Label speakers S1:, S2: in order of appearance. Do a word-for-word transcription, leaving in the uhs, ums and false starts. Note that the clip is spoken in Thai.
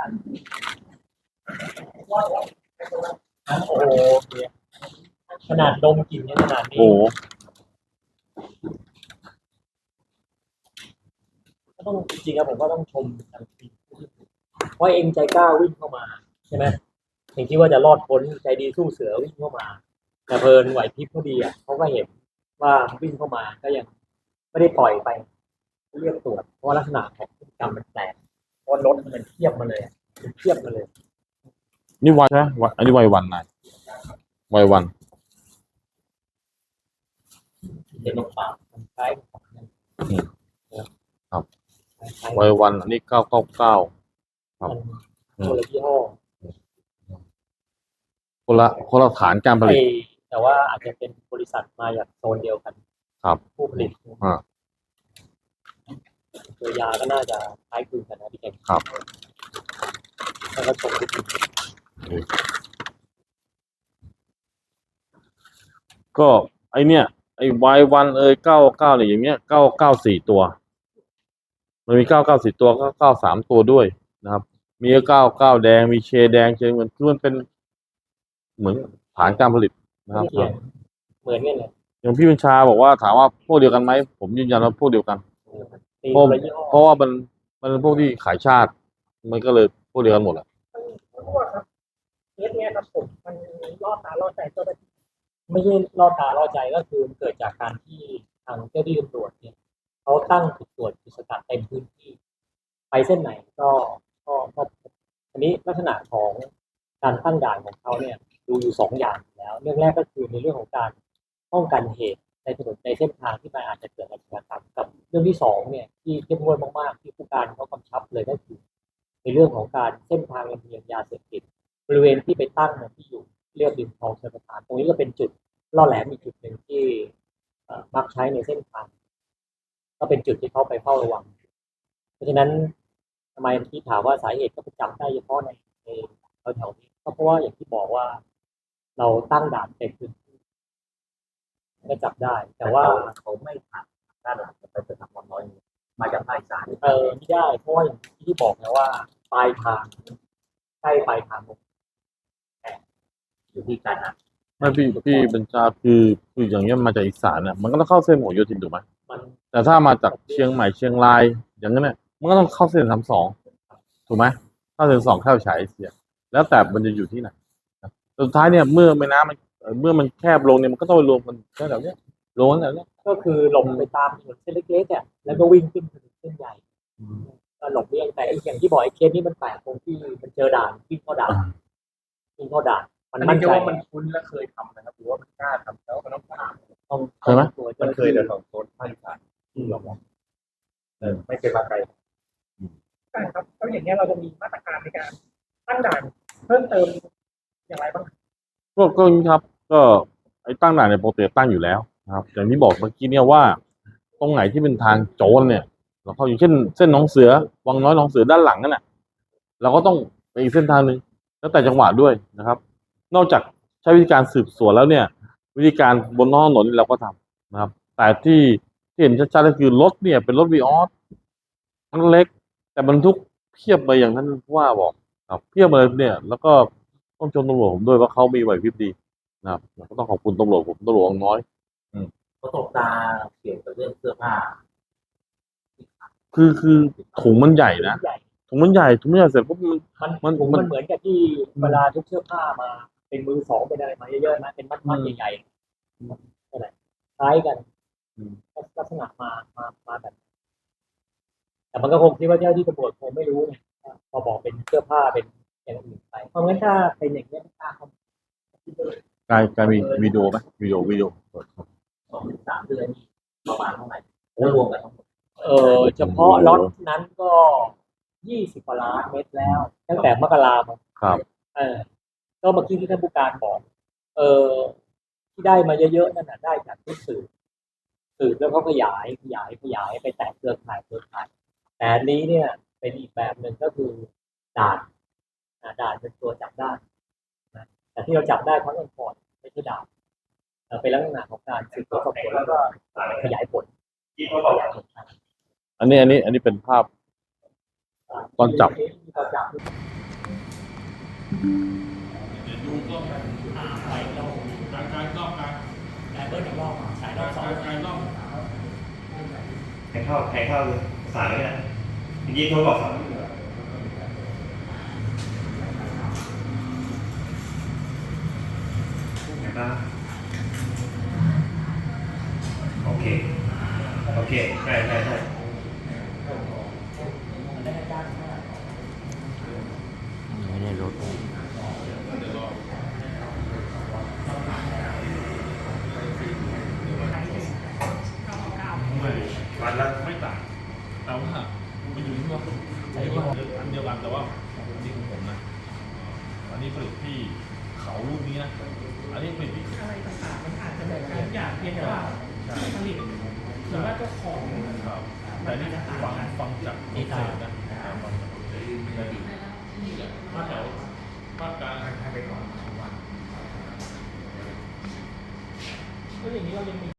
S1: โอ้โหขนาดดมกลิ่นยังขนาดนี้
S2: โอ้โห
S1: ก็ต้องจริงๆครับผมก็ต้องชมทางทีมว่าเองใจกล้าวิ่งเข้ามาใช่ไหมเองคิดว่าจะรอดพ้นใจดีสู้เสือวิ่งเข้ามาแต่เพลินไหวพริบเขาดีอ่ะเขาก็เห็นว่าวิ่งเข้ามาก็ยังไม่ได้ปล่อยไปเรียกตรวจเพราะว่าลักษณะของพฤติกรรมมันแปลกเพราะรถมันเทียบมาเลยมันเทียบมาเลย
S2: นี่วัยใช่ไหมวัยอันนี้วัยวันนายวัยวัน
S1: เป็นนกป่ามันคล้ายของนั่น
S2: อืมครับ
S1: คล้ายๆ
S2: วัยวันอันนี้เก้าเก้าเก้าครับ
S1: มันคนละยี่ห้อ
S2: คนละคนละฐานการผลิต
S1: ไอ้แต่ว่าอาจจะเป็นบริษัทมาจากโซนเดียวกัน
S2: ครับ
S1: ผู้ผลิต
S2: อ่า
S1: ตัวยาก็น่าจะคล้ายคลึงกันนะพี่เก่ง
S2: ครับ
S1: แล้วก็ส่งไปถึง
S2: ก็ไอเนี้ยไอวัยวันเอยเก้าเก้าเนี่ยอย่างเงี้ยเก้าเก้าสี่ตัวมันมีเก้าเก้าสี่ตัวก็เก้าสามตัวด้วยนะครับ มีเก้าเก้าแดงมีเชแดงเชเงินคือมันเป็นเหมือนฐานการผลิตนะครับ
S1: เขียนเหมือนกันเลย
S2: อย่างพี่บัญชาบอกว่าถามว่าพวกเดียวกันไหมผมยืนยันว่าพวกเดียวกัน
S1: ตี
S2: เพราะ
S1: คนละยี่ห้อ
S2: เพราะว่ามันมันเป็นพวกที่ขายชาติ มันก็เลยพวกเดียวกันหมดแหละ
S3: ครับเคสเนี้ยครับผมมันล่อตาล่อใจเจ้าหน้าที่
S1: ไม่ใช่ล่อตาล่อใจก็คือเกิดจากการที่ทางเจ้าหน้าที่ตำรวจเนี่ยเขาตั้งจุดตรวจจุดสกัดเต็มพื้นที่ ไปเส้นไหนก็ก็ก็อันนี้ลักษณะของการตั้งด่านของเขาเนี่ยดูอยู่สองอย่างอยู่แล้ว เรื่องแรกก็คือในเรื่องของการป้องกันเหตุในถนนในเส้นทางที่มันอาจจะเกิดอาชญากรรมกับเรื่องที่สองเนี่ยที่เข้มงวดมากๆที่ผู้การเขากำชับเลยก็คือ ในเรื่องของการเส้นทางลำเลียงยาเสพติดบริเวณที่ไปตั้งเนี่ยที่อยู่เรียบริมคลองชลประทานตรงนี้ก็เป็นจุดล่อแหลมอีกจุดหนึ่งที่เอ่อมักใช้ในเส้นทาง ก็เป็นจุดที่เขาไปเฝ้าระวัง เพราะฉะนั้นทำไมที่ถามว่าสาเหตุก็ไปจับได้เฉพาะในในแถวๆนี้ก็เพราะว่าอย่างที่บอกว่า เราตั้งด่านเต็มพื้นที่ก็จับได้ แต่ว่าเขาไม่ผ่านด้านหลังไปเป็นทางน้อยมาจากภาคอีสานเออไม่ได้เพราะว่าอย่างที่บอกนะว่าปลายทางใกล้ปลายทางอยู่ที่การนะ
S2: ไม่พี่พี่บัญชาคือคืออย่างเงี้ยมาจากอีสานเนี่ยมันก็ต้องเข้าเส้นผลโยธินถูกไหม
S1: มัน
S2: แต่ถ้ามาจากเชียงใหม่เชียงรายอย่างนั้นเนี่ยมันก็ต้องเข้าเส้นสามสองถูกไหมเข้าเส้นสองเข้าฉายเอเชียแล้วแต่มันจะอยู่ที่ไหนนะสุดท้ายเนี่ยเมื่อแม่น้ำมันเอ่อเมื่อมันแคบลงเนี่ยมันก็ต้องไปรวมกันแค่แถวเนี้ยลงกันแถวเนี้ย
S1: ก็คือหลบไปตามถนนเส้นเล็กๆอ่ะแล้วก็วิ่งขึ้นถนนเส้นใหญ่ก็หลบเลี่ยงแต่ไอ้อย่างที่บอกไอ้เคสนี้มันแปลกตรงที่มันเจอด่านวิ่งเข้าด่านวิ่งเข้าด่านมัน
S3: อัน
S1: มั่
S3: นี้
S1: น
S3: จะ
S1: ใจ
S3: ว่ามันคุ้นและเคยทำนะครับหรือว่ามันกล้าทำแล้วมันต้องกล้า
S1: ต้อง
S2: เคยไหม
S1: ตัว
S3: มั
S1: เจ้าน หน้า
S3: เคย
S1: ที่
S3: แต่ของโซนภาคอีสานที่เรามองเออไม่เคยมาไกลใช่ครับแล้วอย่างเงี้ยเราจะมีมาตรการในการตั้งด่านเพิ่มเติมอย่างไรบ้าง
S2: ก็ก็อย่างนี้ครับ ก็ไอ้ตั้งด่านในยปกติตั้งอยู่แล้วนะครับ อย่างที่บอกเมื่อกี้เนี่ยว่า ตรงไหนที่เป็นทางโจรเนี่ย เราเข้าอย่างเช่นเส้นหนองเสือวังน้อยหนองเสือด้านหลังนั่นแหละเราก็ต้องไปอีกเส้นทางหนึ่งแล้วแต่จังหวะด้วยนะครับ นอกจากใช้วิธีการสืบสวนแล้วเนี่ย วิธีการบนท้องถนนเราก็ทำนะครับ แต่ที่ที่เห็นชัดๆก็คือรถเนี่ยเป็นรถวีออสมันเล็ก แต่บรรทุกเพียบไปอย่างนั้นผู้ว่าบอกครับเพียบเลยเนี่ย แล้วก็ต้องชมตำรวจผมด้วยว่าเขามีไหวพริบดีนะครับก็ต้องขอบคุณตำรวจผมตำรวจน้อย
S1: ประสบตาเกี่ยวกับเรื่องเสื้อผ้า
S2: คือคือถุงมันใหญ่นะ
S1: ใหญ่
S2: ถุงมันใหญ่ถุงมันใหญ่เสร็จปุ๊บมัน
S1: มัน
S2: มัน
S1: ถุง
S2: มั
S1: มัน นเหมือนกับที่เวลาทุกเสื้อผ้ามา เป็นมือสองเป็นอะไรมาเยอะๆนะเป็นมัดๆใหญ่ๆนั่นแหละคล้ายกัน
S2: อืม
S1: ลักษณะมามามาแบบ แต่มันก็คงคิดว่าเจ้าที่ตำรวจคงไม่รู้ไงพอบอกเป็นเสื้อผ้าเป็นอย่างอื่นไปเพราะงั้นถ้าเป็นอย่างนี้ไม่กล้าเข้ามาก
S2: ลายกลายมีวิดีโอไหมวิดีโอวิดีโอเปิดครับ
S1: สองถึงสามเดือนนี่ประมาณเท่าไหร่รวมกันทั้งหมดเออเฉพาะล็อตนั้นก็ยี่สิบกว่าล้านเม็ดแล้ว ตั้งแต่มกราคม
S2: ครับ
S1: เออก็เมื่อกี้ที่ท่านผู้การบอก เออที่ได้มาเยอะๆนั่นน่ะได้จากที่สื่อสืบแล้วเขาขยายขยายขยายไปแตกเครือข่ายเครือข่ายแต่อันนี้เนี่ยเป็นอีกแบบหนึ่งก็คือด่านอ่าด่านเป็นตัวจับได้นะแต่ที่เราจับได้เพราะเงินก่อนไม่ใช่ด่านเอ่อเป็นลักษณะของการสืบสวนสอบสวนแล้วก็ขยายผลขยายผล
S2: อันนี้อันนี้อันนี้เป็นภาพ ตอนจับ
S1: ตอนจับ
S2: เดี๋ยวดูกล้อง
S1: อ่าไปเรา
S2: การการกล้องการ
S1: แต่เบิร์ดอีกรอบฉายรอบสอง
S2: การการกล้อง
S4: ให้เข้าให้เข้าสายเลยนะเมื่อกี้โทรบอกสามนะครับโอเค โอเคใช่ใช่ใช่
S1: มันได้จ้างเท่าไหร่
S2: ไม่ได้รถไม่
S4: วันละ
S2: ไม่ต่างแต่ว่ามันอยู่ที่ว่าใช้ยี่ห้ออันเดียวกันแต่ว่าอันนี้ของผมนะอันนี้ผลิตที่เขาลูกนี้นะอันนี้ผลิตที่
S3: อะไรต่างๆมันอาจจะเหมือนกันทุกอย่างเพียงแต่ว่าที่ผลิตหรือว่าเจ้าของ
S2: ครับแต่นี่ฟังฟังจากดีไซน์นะฟังจากภาคแถวภาคกลาง
S3: แล้วอย่างนี้เรายังมี